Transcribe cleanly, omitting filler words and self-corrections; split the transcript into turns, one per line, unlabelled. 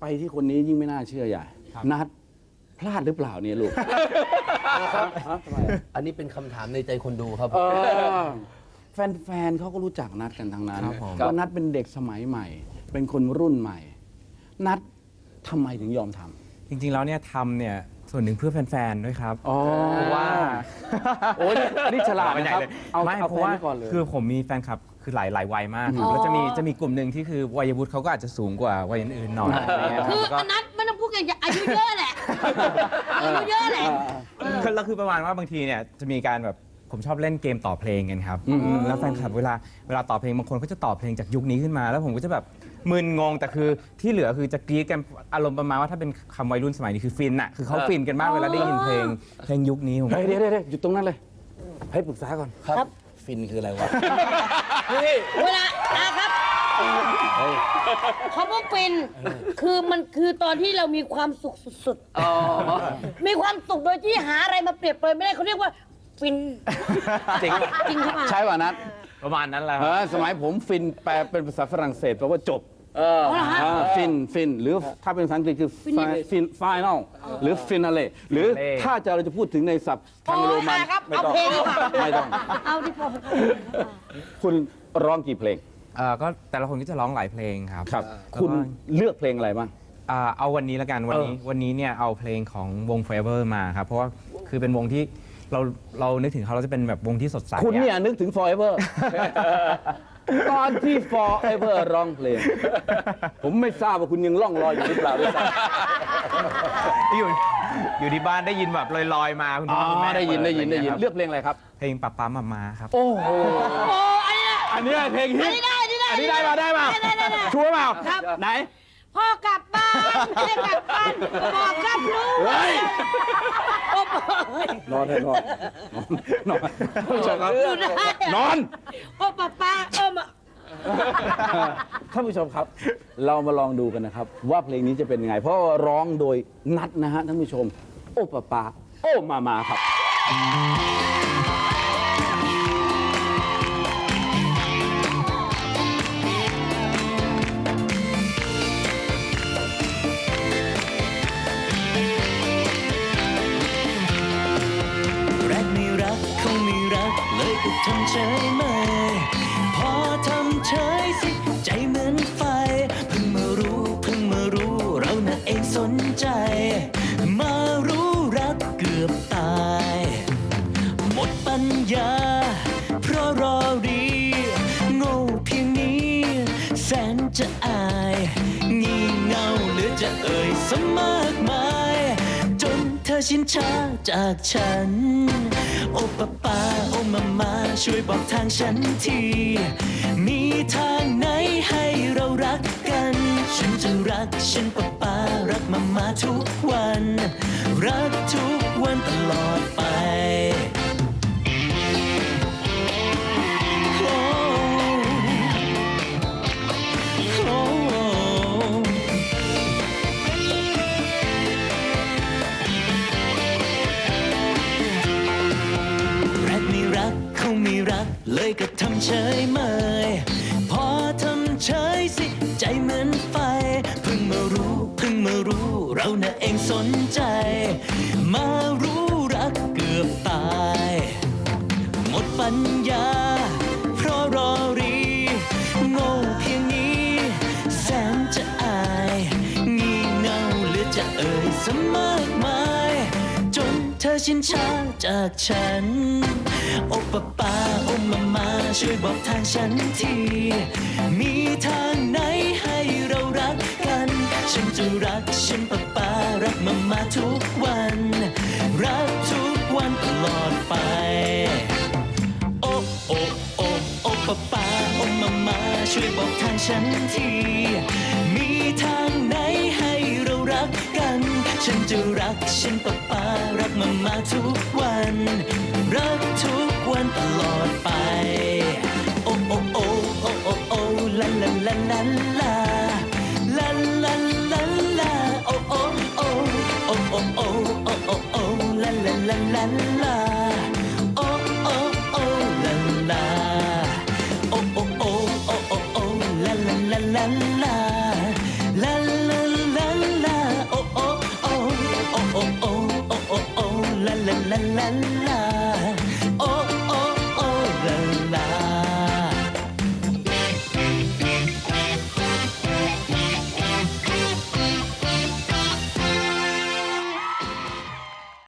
ไปที่คนนี้ยิ่งไม่น่าเชื่อใหญ่นัดพลาดหรือเปล่าเนี่ยลูก
ครับอันนี้เป็นคำถามในใจคนดูครับ
แฟนๆเขาก็รู้จักนัดกันทั้งนั้นว่านัดเป็นเด็กสมัยใหม่ เป็นคนรุ่นใหม่ นัดทำไมถึงยอมทำ
จริงๆแล้วเนี่ยทำเนี่ยส่วนหนึ่งเพื่อแฟนๆด้วยครับเพราะว่า
โอ้ยนี่ฉลาดนะครับ
ไม่เพราะว่าคือผมมีแฟนคลับคือหลายวัยมากแล้วจะมีกลุ่มหนึ่งที่คือวัยวุฒิเขาก็อาจจะสูงกว่าวัยอื่นๆหน่อย
คือนัดไม่ต้องพูดกันอายุเยอะแหละอายุเยอะแหละ
แล้วคือประมาณว่าบางทีเนี่ยจะมีการแบบผมชอบเล่นเกมต่อเพลงกันครับแล้วแฟนคลับเวลาต่อเพลงบางคนก็จะต่อเพลงจากยุคนี้ขึ้นมาแล้วผมก็จะแบบมึนงงแต่คือที่เหลือคือจะกรี๊ดกันอารมณ์ประมาณว่าถ้าเป็นคำวัยรุ่นสมัยนี้คือฟินอะคือเขาฟินกันมากเวลาได้ยินเพลงยุคนี้ผม
เดี๋ยวหยุดตรงนั้นเลยให้ปรึกษาก่อน
ครับฟินคืออะไรวะ
เวลาครับเขาบอกฟินคือมันคือตอนที่เรามีความสุขสุดๆมีความสุขโดยที่หาอะไรมาเปรียบเปรยไม่ได้เขาเรียกว่าฟิน
จริง
ครับ
ใช่ป่ะนัด
ประมาณนั้นแหละ
สมัยผมฟินแปลเป็นภาษาฝรั่งเศสแปลว่าจบฟินหรือถ้าเป็นภาษาอังกฤษคือฟิน final หรือ finale หรือถ้าเราจะพูดถึงในศัพท์ทางโรมัน
ไม่ต้อง
ไม่ต้อง
เอาที่พอ
คุณร้องกี่เพลง
ก็แต่ละคนก็จะร้องหลายเพลงครับ
คุณเลือกเพลงอะไรบ้าง
เอาวันนี้ละกันวันนี้เนี่ยเอาเพลงของวง Forever มาครับเพราะว่าคือเป็นวงที่เรานึกถึงเขาเราจะเป็นแบบวงที่สดใส
คุณเนี่ยนึกถึง Forever ตอนที่ Forever ร้องเพลงผมไม่ทราบว่าคุณยังล่องลอยอยู่หรือเปล่าด้วยซ้
ำอยู่ที่บ้านได้ยินแบบลอยๆมาคุณพ่อคุณแม่
ได้ยินเลือกเพลงอะไรครับ
เพลงปั๊มมาครับ
โอ้โหอันนี้เพลงฮิตอันนี้ได้มาชัวร์เปล่าไหน
พ่อกลับบ้านจะกลับบ้านบอกกับลูก
นอนนอน
โอ้ป้า
ท่านผู้ชมครับเรามาลองดูกันนะครับว่าเพลงนี้จะเป็นยังไงเพราะร้องโดยนัดนะฮะท่านผู้ชมโอ้ป้าโอ้มาครับ
เลยก็ทำเฉยเมยพอทำเฉยสิใจเหมือนไฟเพิ่งมารู้เราน่ะเองสนใจมารู้รักเกือบตายหมดปัญญาเพราะรอรีโง่เพียงนี้แสนจะอายงี่เง่าเหลือจะเอ่ยสมากมายจนเธอชินชาจากฉันโอ้ป้าโอ้มาช่วยบอกทางฉันทีมีทางไหนให้เรารักกันฉันจะรักฉันป้ารักมาทุกวันรักทุกวันตลอดไปไม่รักเลยก็ทำเฉยเมยพอทำเฉยสิใจเหมือนไฟเพิ่งมารู้เราน่ะเองสนใจมารู้รักเกือบตายหมดปัญญาเพราะรอรีโง่เพียงนี้แสนจะอายงี่เง่าเหลือจะเอ่ยสมากมายจนเธอชินชาจากฉันโอ้ป้าโอ้มาช่วยบอกทางฉันทีมีทางไหนให้เรารักกันฉันจะรักฉันป้ารักมาทุกวันรักทุกวันตลอดไปโอ้ป้าโอ้มาช่วยบอกทางฉันทีมีทางไหนให้เรารักกันฉันจะรักฉันป้ารักมาทุกวันรักทุกวันตลอดไปโอ้ลาลาลาลาลาลาลาลาลาโอ้ลาลาลาลาลาโอ้ลาลาโอ้ลาลาลาลาลาลาลาลาลาลาลา